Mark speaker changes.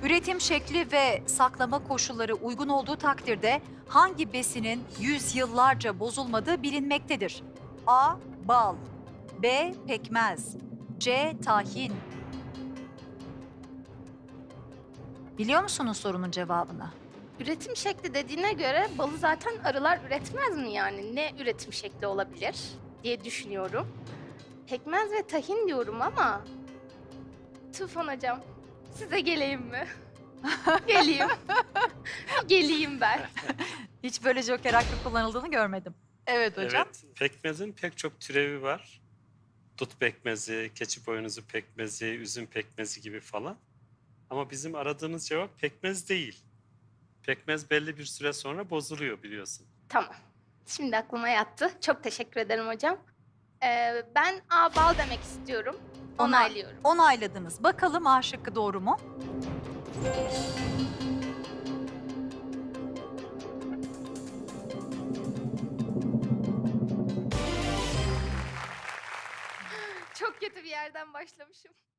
Speaker 1: Üretim şekli ve saklama koşulları uygun olduğu takdirde hangi besinin yüzyıllarca bozulmadığı bilinmektedir? A. Bal, B. Pekmez, C. Tahin. Biliyor musunuz sorunun cevabını?
Speaker 2: Üretim şekli dediğine göre balı zaten arılar üretmez mi yani? Ne üretim şekli olabilir diye düşünüyorum. Pekmez ve tahin diyorum ama... Tufan hocam, size geleyim mi? Geleyim. Geleyim ben.
Speaker 1: Hiç böyle joker hakkı kullanıldığını görmedim. Evet hocam.
Speaker 3: Evet, pekmezin pek çok türevi var. Dut pekmezi, keçi boynuzu pekmezi, üzüm pekmezi gibi falan. Ama bizim aradığımız cevap pekmez değil. Pekmez belli bir süre sonra bozuluyor biliyorsun.
Speaker 2: Tamam. Şimdi aklıma yattı. Çok teşekkür ederim hocam. Ben A bal demek istiyorum. Onaylıyorum.
Speaker 1: Onayladınız. Bakalım A şıkkı doğru mu?
Speaker 2: Çok kötü bir yerden başlamışım.